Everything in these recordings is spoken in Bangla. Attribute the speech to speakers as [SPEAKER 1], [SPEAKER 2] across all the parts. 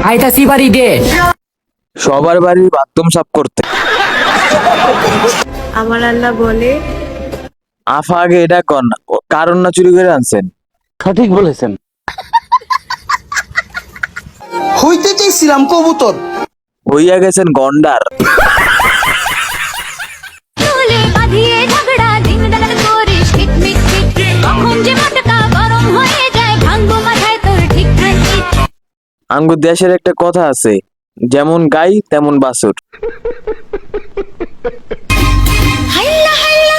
[SPEAKER 1] আইতাছি বাড়ি দে।
[SPEAKER 2] সবার বাড়ির বাথরুম সাফ করতে।
[SPEAKER 3] আমার আল্লাহ বলে,
[SPEAKER 2] আফা আগে এটা কন, কারণ না চুরি করে আনছেন?
[SPEAKER 4] সঠিক বলেছেন।
[SPEAKER 5] হইতে চাইছিলাম কবুতর,
[SPEAKER 2] হইয়া গেছেন গন্ডার।
[SPEAKER 6] চুলে বাঁধিয়ে ঝগড়া দিন রাত করিস কিটমিট কিট, কখন যে মাথা গরম হয়ে যায় ভাঙবো মাথায় তোর ঠিক ঠিক।
[SPEAKER 2] আঙ্গু দেশের একটা কথা আছে, যেমন গাই তেমন বাছুর।
[SPEAKER 6] হাল্লা হাল্লা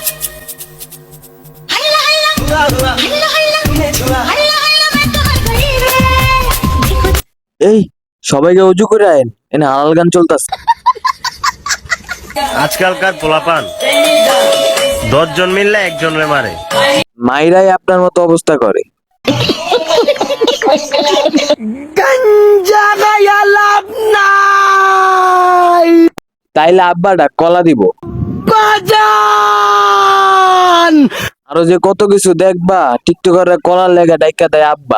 [SPEAKER 6] হাল্লা হাল্লা হাল্লা হাল্লা হাল্লা হাল্লা मैं तुम्हार गरीब है।
[SPEAKER 2] এই সবাইকে উজু করে আইন, এনে হালাল গান চলতেছে।
[SPEAKER 7] আজকালকার পোলাপান 10 জন মিললে একজনরে মারে।
[SPEAKER 2] মাইরাই আপনার মতো অবস্থা করে।
[SPEAKER 5] গাঞ্জা গায়া লাভ নাই
[SPEAKER 2] তাইলে আব্বাটা কলা দিব।
[SPEAKER 5] বাজান।
[SPEAKER 2] আরো যে কত কিছু দেখবা, টিকটকাররা কলার লেগা ডাইকা দেয় আব্বা।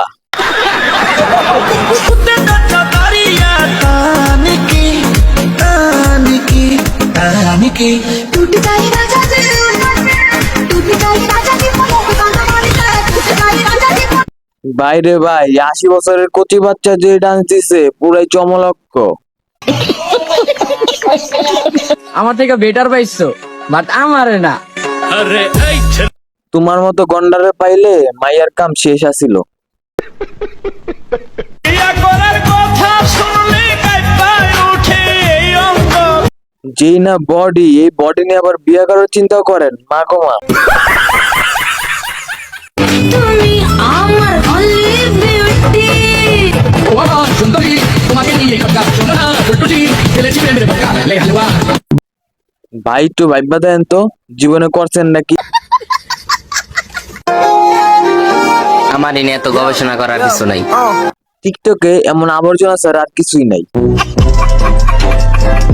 [SPEAKER 6] टूट जाए राजा जी, टूट जाए राजा जी मन को गाना मारता है, टूट जाए राजा जी।
[SPEAKER 2] বাইরে ভাই, 80 বছরের কচি বাচ্চা যে ডান্স দিছে পুরাই চমলক্ষ।
[SPEAKER 1] আমার থেকে বেটার পাইছো, বাট আমারে না।
[SPEAKER 2] তোমার মতো গন্ডারে পাইলে মাইয়ার কাম শেষ আছিল। যেই না বডি, এই বডি নিয়ে আবার বিয়ে করার চিন্তাও করেন, মা গো মা।
[SPEAKER 6] তুমি আমার only beauty।
[SPEAKER 2] ভাই একটু ভাইবা দেন তো, জীবনে করছেন নাকি?
[SPEAKER 8] আমার এ নিয়ে এত গবেষণা করার কিছু নাই।
[SPEAKER 2] টিকটকে এমন আবর্জনা ছাড়া আর কিছুই নাই।